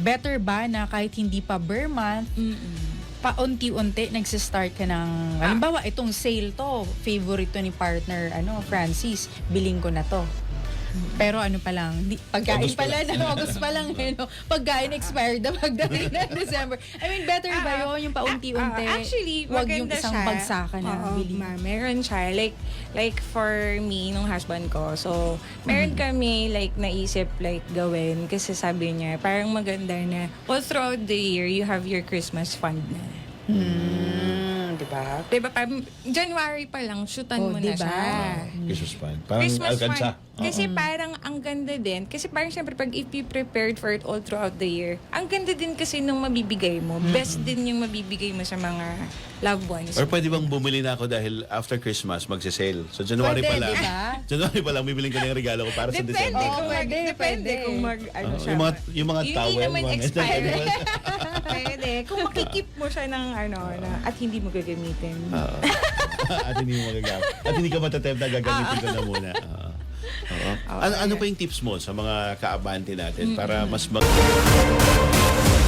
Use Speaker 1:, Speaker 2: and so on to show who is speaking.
Speaker 1: better ba na kahit hindi pa bare month, paunti-unti nagsistart ka ng, halimbawa, itong sale to, favorite to ni partner, Francis, biling ko na to. Pero ano pa lang, pagkain
Speaker 2: August
Speaker 1: pa
Speaker 2: pa
Speaker 1: lang, August pa lang, pagkain expired na pagdating ng December. I mean, better ba yun, yung paunti-unti?
Speaker 3: Actually,
Speaker 1: wag yung
Speaker 3: maganda
Speaker 1: isang
Speaker 3: siya.
Speaker 1: bagsakan na
Speaker 3: Oo,
Speaker 1: bili.
Speaker 3: meron siya. Like for me, nung husband ko, so, meron kami, naisip, gawin. Kasi sabi niya, parang maganda na, all throughout the year, you have your Christmas fund na.
Speaker 1: Diba?
Speaker 3: Diba, parang January pa lang, shootan mo na
Speaker 1: diba?
Speaker 3: siya.
Speaker 2: Christmas fund. Parang
Speaker 3: Christmas
Speaker 2: alkansa.
Speaker 3: fund. Kasi parang ang ganda din. Kasi parang syempre pag if you prepared for it all throughout the year, ang ganda din kasi nung mabibigay mo. Best din yung mabibigay mo sa mga loved ones.
Speaker 2: Or pwede bang bumili na ako dahil after Christmas magse-sale. So January
Speaker 1: Pwede,
Speaker 2: pa lang.
Speaker 1: diba?
Speaker 2: January pa lang bibiling ko na yung regalo ko para sa
Speaker 3: Depende
Speaker 2: December.
Speaker 3: kung
Speaker 1: pwede,
Speaker 3: depende
Speaker 1: pwede.
Speaker 3: kung siya.
Speaker 2: Yung mga
Speaker 3: Yung
Speaker 2: towel.
Speaker 3: hindi naman
Speaker 2: mga
Speaker 3: expired.
Speaker 2: ganyan.
Speaker 3: Pwede. Kung makikip mo siya ng at hindi mo gagamitin.
Speaker 2: Oo. At hindi mo magagamit. At hindi ka matatempt na gagamitin ko na muna. Oo. Ano pa yung tips mo sa mga kaabante natin para mas mag